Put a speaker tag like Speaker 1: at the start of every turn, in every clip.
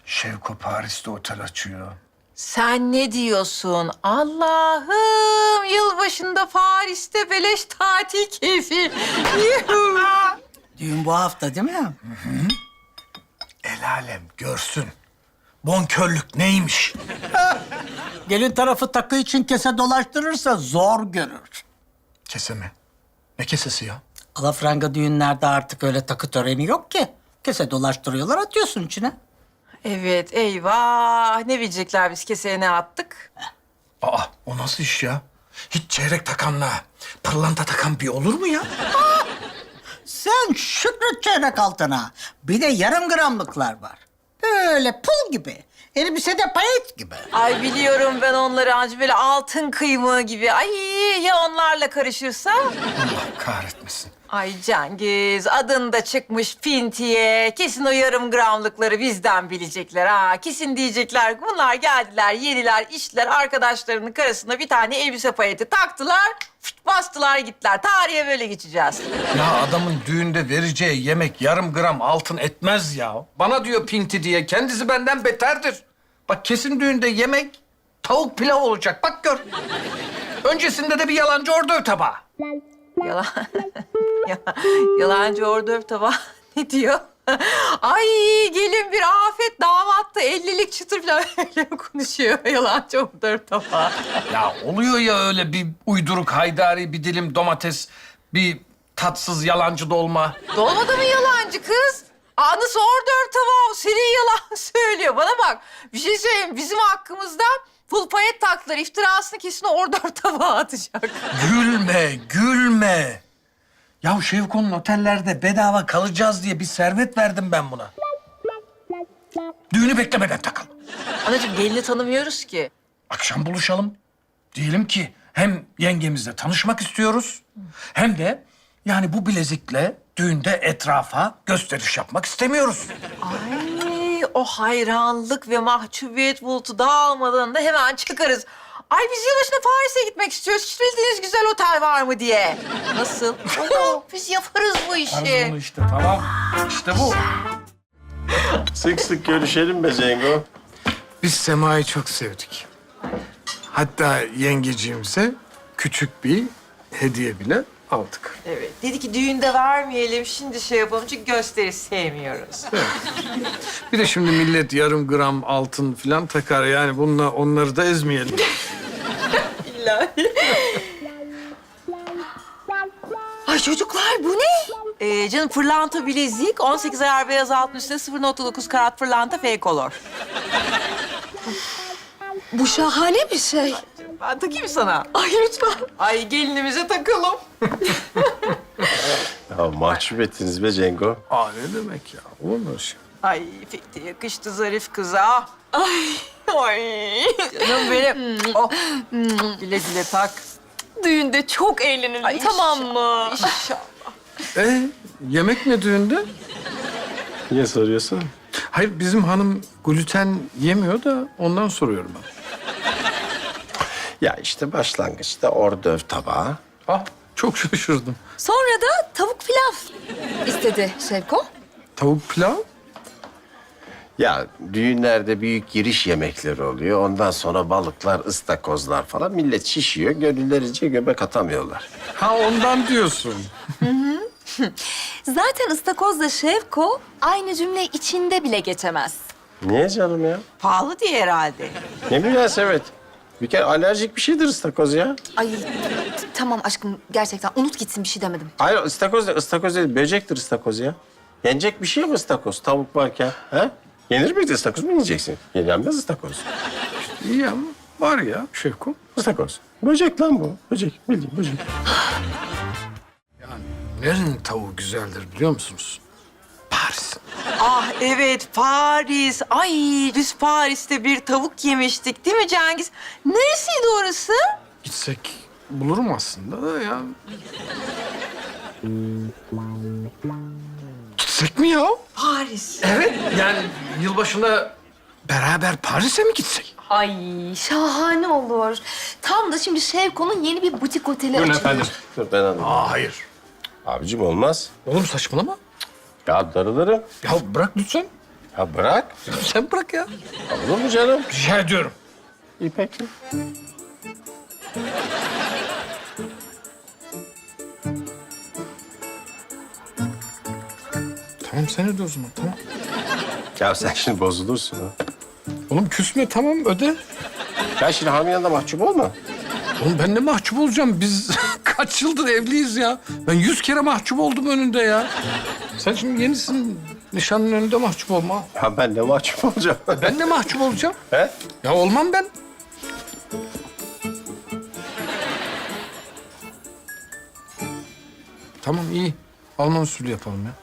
Speaker 1: Şevko Paris'te otel açıyor.
Speaker 2: Sen ne diyorsun? Allah'ım, yılbaşında Paris'te beleş tatil keyfi. Yuhu.
Speaker 3: Düğün bu hafta değil mi?
Speaker 1: El alem görsün. Bonkörlük neymiş?
Speaker 3: Gelin tarafı takı için kese dolaştırırsa zor görür.
Speaker 1: Kese mi? Ne kesesi ya?
Speaker 3: Alafranga düğünlerde artık öyle takı töreni yok ki. Kese dolaştırıyorlar, atıyorsun içine.
Speaker 2: Evet, eyvah. Ne bilecekler biz keseye ne attık?
Speaker 1: Aa, o nasıl iş ya? Hiç çeyrek takanla pırlanta takan bir olur mu ya?
Speaker 3: Sen şükret çeyrek altına. Bir de yarım gramlıklar var. Böyle pul gibi. Elbisede payet gibi.
Speaker 2: Ay biliyorum ben onları ancak böyle altın kıymığı gibi. Ay ya onlarla karışırsa?
Speaker 1: Allah kahretmesin.
Speaker 2: Ay Cengiz, adın da çıkmış pintiye. Kesin o yarım gramlıkları bizden bilecekler ha. Kesin diyecekler bunlar geldiler, yediler, içtiler. Arkadaşlarının karısına bir tane elbise payeti taktılar. Bastılar gittiler. Tarihe böyle geçeceğiz.
Speaker 1: Ya adamın düğünde vereceği yemek yarım gram altın etmez ya. Bana diyor pinti diye. Kendisi benden beterdir. Bak kesin düğünde yemek tavuk pilav olacak. Bak gör. Öncesinde de bir yalancı ordöv tabağı.
Speaker 2: Yalan. Yalancı ordöv tabağı ne diyor? Ay gelin bir afet, damat da 50'lik çıtır falan öyle konuşuyor. Yalancı ordöv tabağı.
Speaker 1: Ya oluyor ya öyle bir uyduruk haydari, bir dilim domates, bir tatsız yalancı dolma.
Speaker 2: Dolmadı mı yalancı kız? Aa, nasıl ordöv tabağı? Senin yalan söylüyor. Bana bak, bir şey söyleyeyim. Bizim hakkımızda pul payet taktılar. İftirasını kesin ordöv tabağı atacak.
Speaker 1: Gülme, gülme. Ya Şevko'nun otellerde bedava kalacağız diye bir servet verdim ben buna. Düğünü beklemeden takalım.
Speaker 2: Anacığım gelini tanımıyoruz ki.
Speaker 1: Akşam buluşalım. Diyelim ki hem yengemizle tanışmak istiyoruz... hem de yani bu bilezikle düğünde etrafa gösteriş yapmak istemiyoruz.
Speaker 2: Ay o hayranlık ve mahcubiyet bulutu dağılmadan da hemen çıkarız. Ay biz yılbaşına Paris'e gitmek istiyoruz. Hiç bildiğiniz güzel otel var mı diye. Nasıl? Oo, biz yaparız bu işi.
Speaker 1: Yaparız bunu işte, tamam. İşte bu.
Speaker 4: Sık sık görüşelim be Cengo.
Speaker 1: Biz Sema'yı çok sevdik. Hatta yengeciğimize küçük bir hediye bile aldık.
Speaker 2: Evet. Dedi ki düğünde vermeyelim, şimdi şey yapalım çünkü gösteri sevmiyoruz.
Speaker 1: Bir de şimdi millet yarım gram altın falan takar. Yani bununla onları da ezmeyelim.
Speaker 2: Ay çocuklar bu ne? Canım pırlanta bilezik, 18 ayar beyaz altın üstüne 0.9 karat pırlanta fake color.
Speaker 5: Bu şahane bir şey.
Speaker 2: Ben takayım sana.
Speaker 5: Ay lütfen.
Speaker 2: Ay gelinimize takalım.
Speaker 4: Ya mahcup ettiniz be Cengo.
Speaker 1: Aa ne demek ya? Olur mu öyle şey?
Speaker 2: Ay pek de yakıştı zarif kıza. Ay. Ay. Canım benim. Oh. Güle güle tak.
Speaker 5: Düğünde çok eğlenelim
Speaker 2: Ay,
Speaker 5: tamam mı?
Speaker 2: İnşallah.
Speaker 1: Yemek ne düğünde?
Speaker 4: Niye soruyorsun?
Speaker 1: Hayır bizim hanım gluten yemiyor da ondan soruyorum ben.
Speaker 4: Ya işte başlangıçta ordöv tabağı.
Speaker 1: Ah çok şaşırdım.
Speaker 5: Sonra da tavuk pilav istedi Şevko.
Speaker 1: Tavuk pilav?
Speaker 4: Ya düğünlerde büyük giriş yemekleri oluyor. Ondan sonra balıklar, ıstakozlar falan. Millet şişiyor, gönüllerince göbek atamıyorlar.
Speaker 1: Ha ondan diyorsun.
Speaker 5: Zaten ıstakozla Şevko aynı cümle içinde bile geçemez.
Speaker 4: Niye canım ya?
Speaker 2: Pahalı diye herhalde.
Speaker 4: Ne münasebet. Bir kere alerjik bir şeydir ıstakoz ya.
Speaker 5: Ay tamam aşkım gerçekten unut gitsin bir şey demedim.
Speaker 4: Hayır ıstakoz değil, ıstakoz değil. Böcektir ıstakoz ya. Yenecek bir şey mi ıstakoz tavuk varken? Ha? Yenir miydi ıstakoz mu yiyeceksin? Yenmez ıstakoz.
Speaker 1: İyi ama var ya Şevko.
Speaker 4: Istakoz. Böcek lan bu. Böcek. Bildiğin böcek.
Speaker 1: Nerenin tavuğu güzeldir biliyor musunuz? Paris.
Speaker 2: Ah evet Paris. Ay biz Paris'te bir tavuk yemiştik değil mi Cengiz? Neresiydi orası?
Speaker 1: Gitsek bulurum aslında da ya. Gitsek mi ya?
Speaker 2: Paris.
Speaker 1: Evet. Yani yılbaşında beraber Paris'e mi gitsek?
Speaker 5: Ay şahane olur. Tam da şimdi Şevko'nun yeni bir butik oteli açılıyor.
Speaker 4: Dur ben anladım.
Speaker 1: Aa hayır.
Speaker 4: Abicim olmaz.
Speaker 1: Oğlum saçmalama.
Speaker 4: Ya darılırım.
Speaker 1: Ya bırak lütfen.
Speaker 4: Ya bırak.
Speaker 1: Sen bırak ya.
Speaker 4: Olur mu canım?
Speaker 1: Rica ediyorum.
Speaker 4: İyi peki.
Speaker 1: Tamam sen öde o zaman tamam.
Speaker 4: Ya sen şimdi bozulursun ha.
Speaker 1: Oğlum küsme tamam öde.
Speaker 4: Ya şimdi Hami'nin yanında mahcup olma.
Speaker 1: Oğlum ben ne mahcup olacağım? Biz kaç yıldır evliyiz ya. Ben 100 kere mahcup oldum önünde ya. Sen şimdi yenisin. Nişanın önünde mahcup olma.
Speaker 4: Ya ben ne mahcup olacağım?
Speaker 1: Ben de mahcup olacağım.
Speaker 4: He?
Speaker 1: Ya olmam ben. Tamam iyi. Alman usulü yapalım ya.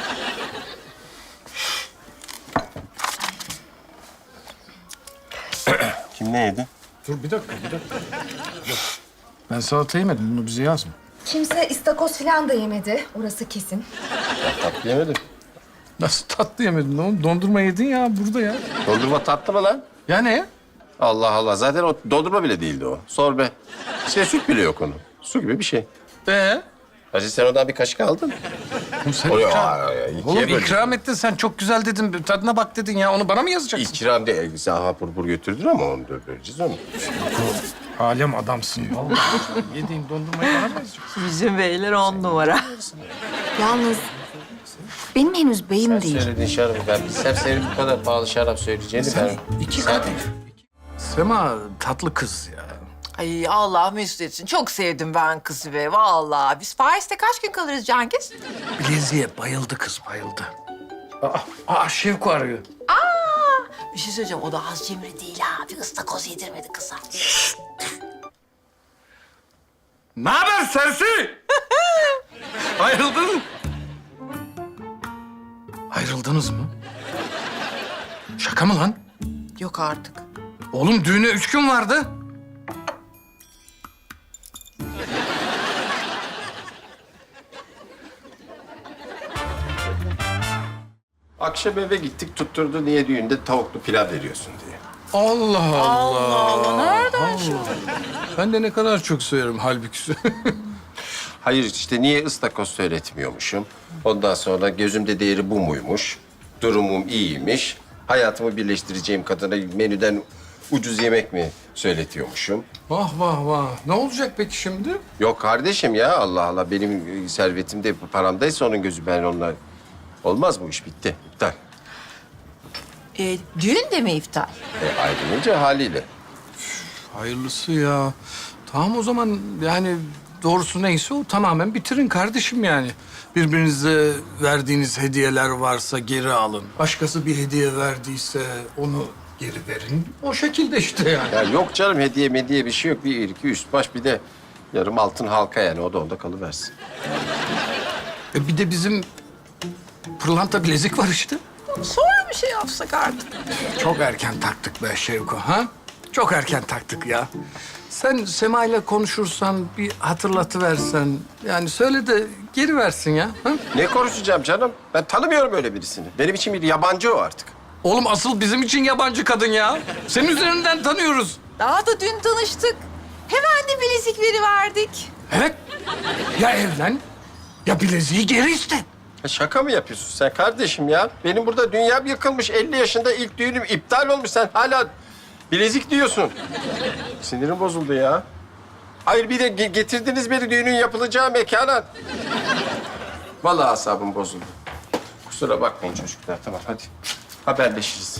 Speaker 4: Kim ne yedi?
Speaker 1: Dur bir dakika. Ben salata yemedim. Bunu bize yazma.
Speaker 5: Kimse istakoz falan da yemedi. Orası kesin.
Speaker 4: Tatlı yemedim.
Speaker 1: Nasıl tatlı yemedin oğlum? Dondurma yedin ya burada ya.
Speaker 4: Dondurma tatlı mı lan?
Speaker 1: Ya ne?
Speaker 4: Allah Allah. Zaten o dondurma bile değildi o. Sorbe. İşte süt bile yok onun. Su gibi bir şey. Hacı sen oradan bir kaşık aldın.
Speaker 1: Oğlum sen
Speaker 4: Oluyor.
Speaker 1: ikram... Oğlum ikram ettin sen. Çok güzel dedin. Bir tadına bak dedin ya. Onu bana mı yazacaksın?
Speaker 4: İkram değil. Sen hapur bur götürdün ama onu da vereceğiz onu.
Speaker 1: Alem adamsın vallahi. Yediğin dondurmayı bana mı yazacaksın?
Speaker 2: Bizim beyler 10 numara.
Speaker 5: Yalnız benim henüz beyim değil.
Speaker 4: Söylediğin şarabı ben bilsem senin bu kadar pahalı şarap söyleyeceğini ben...
Speaker 1: İki kadeh. Sema tatlı kız ya.
Speaker 2: Ay Allah mesut etsin. Çok sevdim ben kızı be vallahi. Biz Paris'te kaç gün kalırız Cengiz?
Speaker 1: Bileziğe bayıldı kız bayıldı. Şevko arıyor.
Speaker 2: Bir şey söyleyeceğim. O da az cimri değil ha. Bir ıstakoz yedirmedi kıza.
Speaker 1: Ne haber sersi? Ayrıldın mı? Ayrıldınız mı? Şaka mı lan?
Speaker 2: Yok artık.
Speaker 1: Oğlum düğüne 3 gün vardı.
Speaker 4: Akşam eve gittik tutturdu niye düğünde tavuklu pilav veriyorsun diye.
Speaker 1: Allah Allah.
Speaker 2: Allah nereden şu?
Speaker 1: Ben de ne kadar çok severim halbuki.
Speaker 4: Hayır işte niye ıstakoz söyletmiyormuşum. Ondan sonra gözümde değeri bu muymuş. Durumum iyiymiş. Hayatımı birleştireceğim kadına menüden ucuz yemek mi söyletiyormuşum.
Speaker 1: Vah vah vah. Ne olacak peki şimdi?
Speaker 4: Yok kardeşim ya Allah Allah benim servetimde paramdaysa onun gözü ben onunla... Olmaz bu iş bitti. İptal.
Speaker 2: Düğün de mi iptal?
Speaker 4: Ayrılınca haliyle.
Speaker 1: Hayırlısı ya. Tamam o zaman yani doğrusu neyse o tamamen bitirin kardeşim yani. Birbirinize verdiğiniz hediyeler varsa geri alın. Başkası bir hediye verdiyse onu geri verin. O şekilde işte yani.
Speaker 4: Ya yok canım hediye mediye bir şey yok. Bir iki üst baş bir de yarım altın halka yani. O da onda kalıversin.
Speaker 1: Bir de bizim pırlanta bilezik var işte.
Speaker 2: Sonra bir şey yapsak artık.
Speaker 1: Çok erken taktık be Şevko ha? Çok erken taktık ya. Sen Sema ile konuşursan bir hatırlatıversen. Yani söyle de geri versin ya. Ha?
Speaker 4: Ne konuşacağım canım? Ben tanımıyorum öyle birisini. Benim için bir yabancı o artık.
Speaker 1: Oğlum asıl bizim için yabancı kadın ya. Senin üzerinden tanıyoruz.
Speaker 2: Daha da dün tanıştık. Hemen de bilezik veriverdik.
Speaker 1: Evet. Ya evlen ya bileziği geri iste.
Speaker 4: Ya şaka mı yapıyorsun sen kardeşim ya? Benim burada dünyam yıkılmış. 50 yaşında ilk düğünüm iptal olmuş. Sen hala bilezik diyorsun. Sinirim bozuldu ya. Hayır bir de getirdiniz beni düğünün yapılacağı mekana. Vallahi asabım bozuldu. Kusura bakmayın çocuklar. Tamam hadi. Haberleşiriz.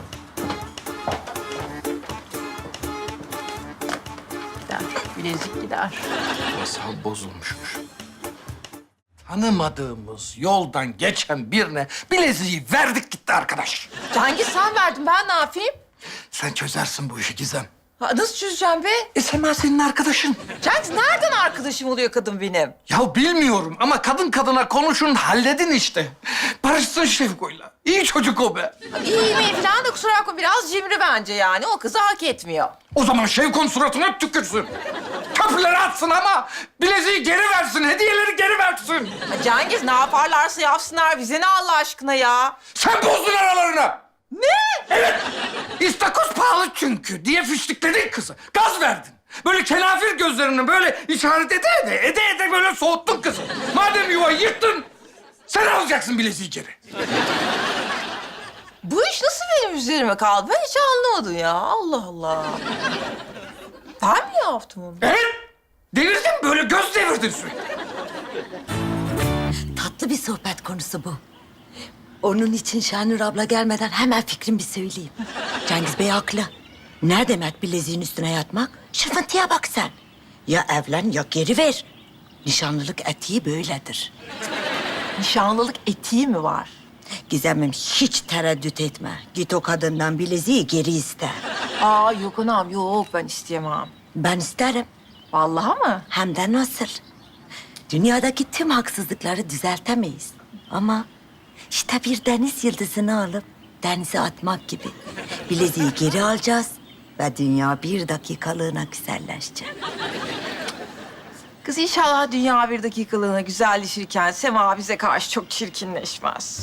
Speaker 2: Gider. Bilezik gider.
Speaker 1: Asal bozulmuşmuş. Tanımadığımız yoldan geçen birine bileziği verdik gitti arkadaş.
Speaker 2: Cengiz sen verdin ben ne yapayım?
Speaker 1: Sen çözersin bu işi Gizem.
Speaker 2: Ha, nasıl çözeceğim be?
Speaker 1: Sema senin arkadaşın.
Speaker 2: Cengiz nereden arkadaşım oluyor kadın benim?
Speaker 1: Ya bilmiyorum ama kadın kadına konuşun halledin işte. Barışsın Şevko'yla. İyi çocuk o be.
Speaker 2: İyi mi falan da kusura bakma biraz cimri bence yani. O kızı hak etmiyor.
Speaker 1: O zaman Şevko'nun suratına tükürsün. Köprüleri atsın ama bileziği geri versin, hediyeleri geri versin.
Speaker 2: Ha, Cengiz ne yaparlarsa yapsınlar bize ne Allah aşkına ya?
Speaker 1: Sen bozdun aralarını.
Speaker 2: Ne?
Speaker 1: Evet. İstakoz pahalı çünkü diye fiştikledin kızı. Gaz verdin. Böyle kenafir gözlerini böyle işaret ede böyle soğuttun kızı. Madem yuvayı yıktın, sen alacaksın bileziği geri.
Speaker 2: Bu iş nasıl benim üzerime kaldı? Ben hiç anlamadım ya. Allah Allah. Ben mi yaptım onu?
Speaker 1: Evet. Devirdin böyle göz devirdin sürekli.
Speaker 6: Tatlı bir sohbet konusu bu. Onun için Şenur abla gelmeden hemen fikrimi bir söyleyeyim. Cengiz Bey haklı. Ne demek bileziğin üstüne yatmak? Şırfıntıya bak sen. Ya evlen ya geri ver. Nişanlılık etiği böyledir.
Speaker 2: Nişanlılık etiği mi var?
Speaker 6: Gizemim hiç tereddüt etme. Git o kadından bileziği geri iste.
Speaker 2: Aa yok anam yok ben isteyemem.
Speaker 6: Ben isterim.
Speaker 2: Vallahi mı?
Speaker 6: Hem de nasıl? Dünyadaki tüm haksızlıkları düzeltemeyiz. Ama işte bir deniz yıldızını alıp denize atmak gibi. Bileziği geri alacağız ve dünya bir dakikalığına güzelleşecek.
Speaker 2: Kız inşallah dünya bir dakikalığına güzelleşirken Sema bize karşı çok çirkinleşmez.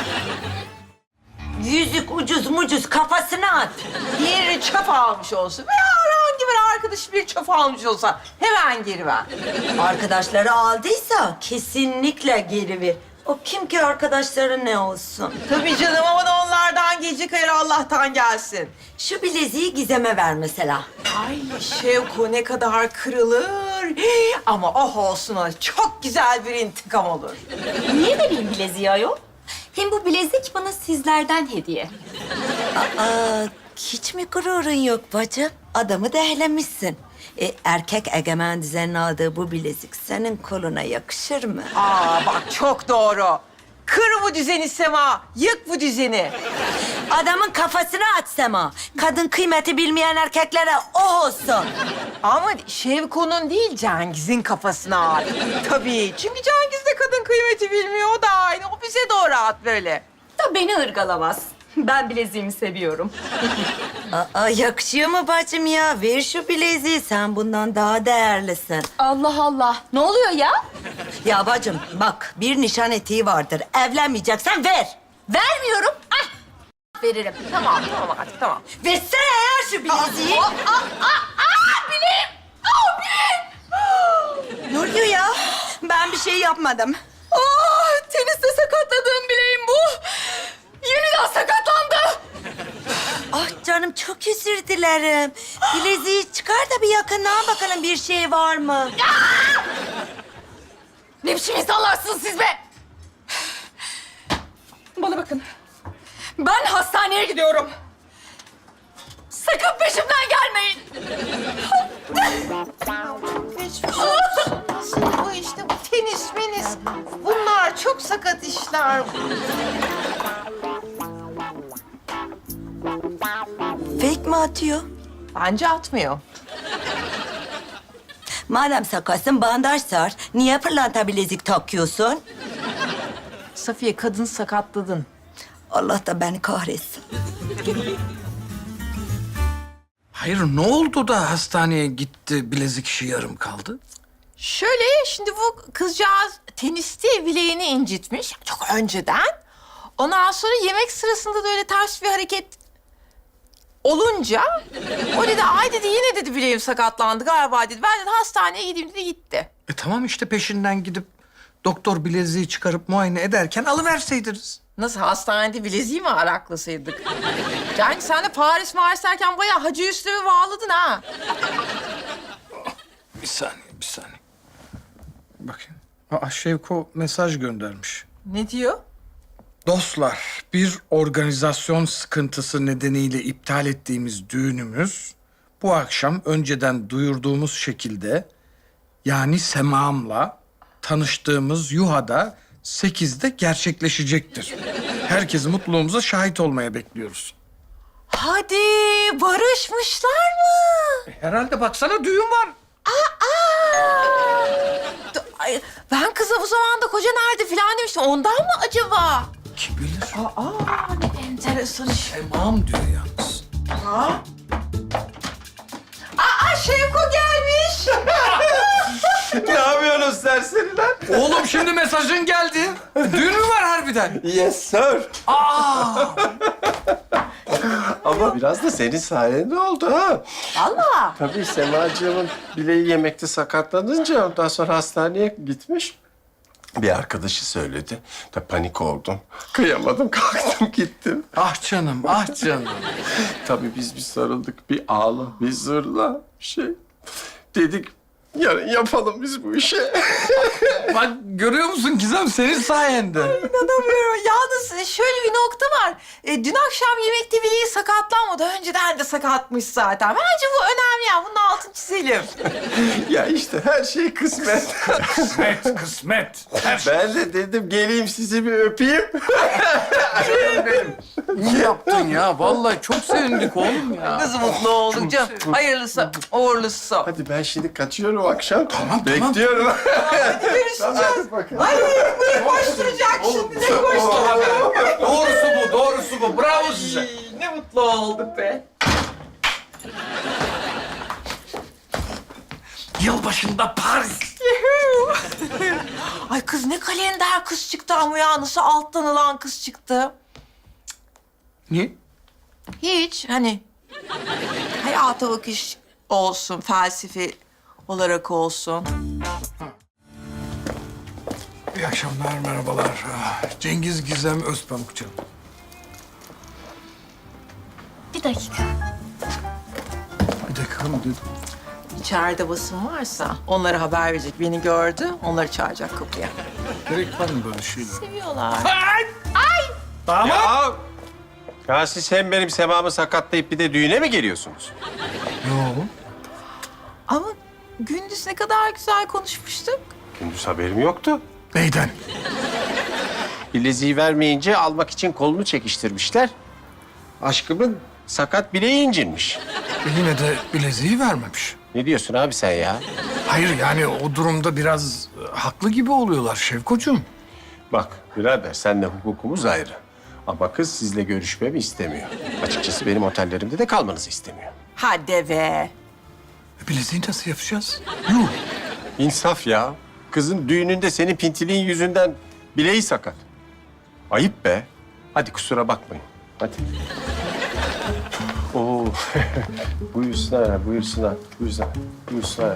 Speaker 6: Yüzük ucuz mucuz kafasına at.
Speaker 2: Diğeri çöp almış olsun veya herhangi bir arkadaş bir çöp almış olsa hemen geri ver.
Speaker 6: Arkadaşları aldıysa kesinlikle geri ver. O kim ki arkadaşları ne olsun?
Speaker 2: Tabii canım ama da onlardan gelecek hayır Allah'tan gelsin.
Speaker 6: Şu bileziği Gizem'e ver mesela.
Speaker 2: Ay Şevko ne kadar kırılır. Ama oh olsun o çok güzel bir intikam olur.
Speaker 5: Niye vereyim bileziği ayol? Hem bu bilezik bana sizlerden hediye.
Speaker 6: Aa, hiç mi gururun yok bacım? Adamı dehlemişsin. Erkek egemen düzenin aldığı bu bilezik senin koluna yakışır mı?
Speaker 2: Aa bak çok doğru. Kır bu düzeni Sema, yık bu düzeni.
Speaker 6: Adamın kafasına at Sema. Kadın kıymeti bilmeyen erkeklere o olsun.
Speaker 2: Ama Şevko'nun değil Cengiz'in kafasına at. Tabii çünkü Cengiz de kadın kıymeti bilmiyor o da aynı. O bize doğru at böyle.
Speaker 5: Da beni ırgalamaz. Ben bileziğimi seviyorum.
Speaker 6: Aa, yakışıyor mu bacım ya? Ver şu bileziği, sen bundan daha değerlisin.
Speaker 5: Allah Allah. Ne oluyor ya?
Speaker 6: Ya bacım bak, bir nişan etiği vardır. Evlenmeyeceksen ver.
Speaker 5: Vermiyorum. Ah! Veririm.
Speaker 2: Tamam artık tamam.
Speaker 6: Versene ya şu bileziği.
Speaker 5: Bileğim! Bileğim!
Speaker 6: Ne oluyor ya? Ben bir şey yapmadım.
Speaker 5: Teniste sakatladığım bileğim bu. Yeniden sakatlandı.
Speaker 6: Ah canım, çok özür dilerim. Bileziği çıkar da bir yakından bakalım, bir şey var mı?
Speaker 5: Ne biçim insanlarsınız siz be? Bana bakın. Ben hastaneye gidiyorum. Sakın peşimden gelmeyin.
Speaker 2: Geçmiş olsun. Nasıl bu işte bu tenis menis. Bunlar çok sakat işler.
Speaker 6: Fake mi atıyor?
Speaker 2: Bence atmıyor.
Speaker 6: Madem sakatsın bandaj sar. Niye pırlanta bilezik takıyorsun?
Speaker 2: Safiye kadın sakatladın.
Speaker 6: Allah da beni kahretsin.
Speaker 1: Hayır ne oldu da hastaneye gitti bilezik işi yarım kaldı?
Speaker 2: Şöyle şimdi bu kızcağız teniste bileğini incitmiş çok önceden. Ondan sonra yemek sırasında da öyle ters bir hareket olunca o dedi ay dedi yine dedi bileğim sakatlandı galiba dedi. Ben dedi hastaneye gideyim dedi gitti.
Speaker 1: Tamam işte peşinden gidip doktor bileziği çıkarıp muayene ederken alıverseydiniz.
Speaker 2: Nasıl hastanede bileziği mi araklasaydık? Yani sen de Paris derken bayağı Hacı Üstüm'ü bağladın ha.
Speaker 1: Bir saniye. Bakayım. Aa, Şevko mesaj göndermiş.
Speaker 2: Ne diyor?
Speaker 1: Dostlar, bir organizasyon sıkıntısı nedeniyle iptal ettiğimiz düğünümüz bu akşam önceden duyurduğumuz şekilde yani Sema'mla tanıştığımız Yuha'da 8'de gerçekleşecektir. Herkesi mutluluğumuza şahit olmaya bekliyoruz.
Speaker 2: Hadi barışmışlar mı?
Speaker 1: Herhalde baksana düğün var.
Speaker 2: Ay, ben kıza bu zamanda koca nerede falan demiştim. Ondan mı acaba?
Speaker 1: Kim bilir?
Speaker 2: Ne enteresan iş.
Speaker 1: Sema'm diyor yalnız.
Speaker 2: Aa Şevko gelmiş.
Speaker 4: Ne yapıyorsunuz serseriler?
Speaker 1: Oğlum şimdi mesajın geldi. Düğün mü var harbiden?
Speaker 4: Yes sir. Ama biraz da senin sayende oldu ha.
Speaker 2: Vallahi.
Speaker 4: Tabii Semacığımın bileği yemekte sakatlanınca ondan sonra hastaneye gitmiş. Bir arkadaşı söyledi. Da panik oldum. Kıyamadım, kalktım gittim.
Speaker 1: Ah canım, ah canım.
Speaker 4: Tabii biz bir sarıldık, bir ağla, bir zırla, bir şey. Dedik, yarın yapalım biz bu işi.
Speaker 1: Bak görüyor musun Gizem senin sayende.
Speaker 2: İnanamıyorum. Yalnız şöyle bir nokta var. Dün akşam yemekte bileği sakatlanmadı. Önceden de sakatmış zaten. Bence bu önemli ya. Bunun altını çizelim.
Speaker 4: Ya işte her şey kısmet.
Speaker 1: Kısmet, kısmet.
Speaker 4: Ben de dedim geleyim sizi bir öpeyim.
Speaker 1: İyi yaptın ya. Vallahi çok sevindik oğlum ya.
Speaker 2: Nasıl mutlu olduk canım. Hayırlısı, uğurlusu.
Speaker 4: Hadi ben şimdi kaçıyorum akşam.
Speaker 1: Tamam.
Speaker 4: Bekliyorum.
Speaker 2: Görüşeceğiz. Ay bu koşturacak şimdi. Ne koşturacak?
Speaker 1: Doğrusu bu. Bravo size.
Speaker 2: Ay, ne mutlu olduk be.
Speaker 1: Yılbaşında Paris.
Speaker 2: Ay kız ne kalender kız çıktı ama ya. Nasıl alttan alan kız çıktı.
Speaker 1: Niye?
Speaker 2: Hiç hani hayata bakış olsun, felsefi olarak olsun.
Speaker 1: İyi akşamlar, merhabalar. Cengiz Gizem Özpamukçu.
Speaker 5: Bir dakika.
Speaker 1: Bir dakika mı dedim?
Speaker 2: İçeride basın varsa onlara haber verecek. Beni gördü, onları çağıracak kapıya.
Speaker 1: Gerek var mı böyle şeyler?
Speaker 2: Seviyorlar.
Speaker 4: Ya siz hem benim semamı sakatlayıp bir de düğüne mi geliyorsunuz?
Speaker 1: Yok.
Speaker 2: Ama gündüz ne kadar güzel konuşmuştuk.
Speaker 4: Gündüz haberim yoktu.
Speaker 1: Neyden?
Speaker 4: Bileziği vermeyince almak için kolunu çekiştirmişler. Aşkımın sakat bileği incinmiş.
Speaker 1: Yine de bileziği vermemiş.
Speaker 4: Ne diyorsun abi sen ya?
Speaker 1: Hayır yani o durumda biraz haklı gibi oluyorlar Şevkocuğum.
Speaker 4: Bak birader senle hukukumuz ayrı. Ama kız sizle görüşmemi istemiyor. Açıkçası benim otellerimde de kalmanızı istemiyor.
Speaker 2: Hadi be.
Speaker 1: Bileziği nasıl yapacağız?
Speaker 4: İnsaf ya. Kızın düğününde senin pintiliğin yüzünden bileği sakat. Ayıp be. Hadi kusura bakmayın. Hadi. Oo. Buyursunlar, buyursunlar, buyursunlar, buyursunlar.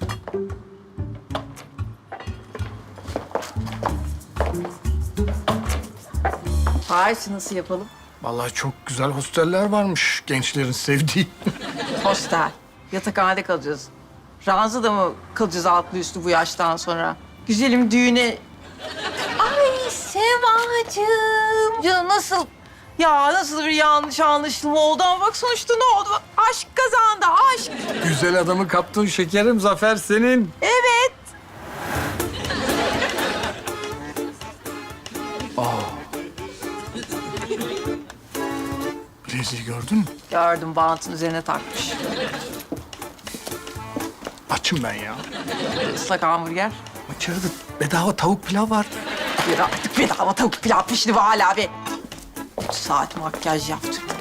Speaker 2: Paris'i nasıl yapalım?
Speaker 1: Vallahi çok güzel hosteller varmış gençlerin sevdiği.
Speaker 2: Hostel. Yatakhanede kalacağız. Ranzada mı kalacağız altlı üstlü bu yaştan sonra? Güzelim düğüne... Ay Sevacığım. Ya nasıl... Ya nasıl bir yanlış anlaşılma oldu ama bak sonuçta ne oldu? Bak, aşk kazandı, aşk.
Speaker 1: Güzel adamı kaptın şekerim, zafer senin.
Speaker 2: Evet.
Speaker 1: Bileziği gördün mü?
Speaker 2: Gördüm, bantın üzerine takmış.
Speaker 1: Açım ben ya.
Speaker 2: Islak hamburger.
Speaker 1: İçeride bedava tavuk pilav var.
Speaker 2: Bir artık bedava tavuk pilav pişti bu hala be. 3 saat makyaj yaptırdım.